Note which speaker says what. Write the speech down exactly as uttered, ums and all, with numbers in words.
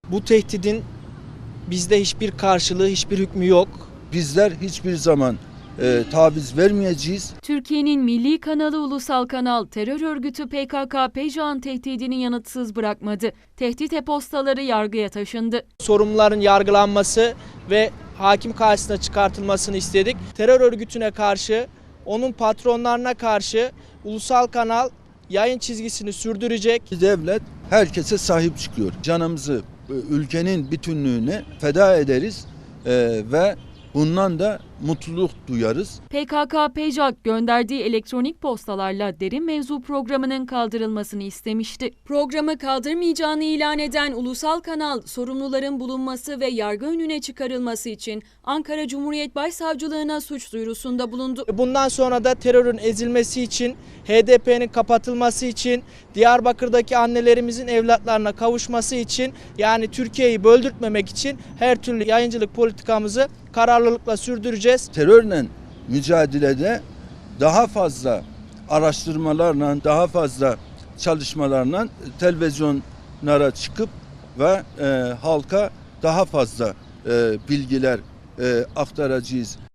Speaker 1: Bu tehdidin bizde hiçbir karşılığı, hiçbir hükmü yok.
Speaker 2: Bizler hiçbir zaman e, taviz vermeyeceğiz.
Speaker 3: Türkiye'nin milli kanalı Ulusal Kanal, terör örgütü P K K P C K'nın tehdidini yanıtsız bırakmadı. Tehdit e-postaları yargıya taşındı.
Speaker 1: Sorumluların yargılanması ve hakim karşısına çıkartılmasını istedik. Terör örgütüne karşı, onun patronlarına karşı Ulusal Kanal yayın çizgisini sürdürecek.
Speaker 2: Devlet herkese sahip çıkıyor. Canımızı e, ülkenin bütünlüğüne feda ederiz e, ve bundan da mutluluk duyarız.
Speaker 3: P K K P C K gönderdiği elektronik postalarla derin mevzu programının kaldırılmasını istemişti. Programı kaldırmayacağını ilan eden Ulusal Kanal, sorumluların bulunması ve yargı önüne çıkarılması için Ankara Cumhuriyet Başsavcılığına suç duyurusunda bulundu.
Speaker 1: Bundan sonra da terörün ezilmesi için, H D P'nin kapatılması için, Diyarbakır'daki annelerimizin evlatlarına kavuşması için, yani Türkiye'yi böldürtmemek için her türlü yayıncılık politikamızı kararlılıkla sürdüreceğiz.
Speaker 2: Terörle mücadelede daha fazla araştırmalarla, daha fazla çalışmalarla televizyonlara çıkıp ve e, halka daha fazla e, bilgiler e, aktaracağız.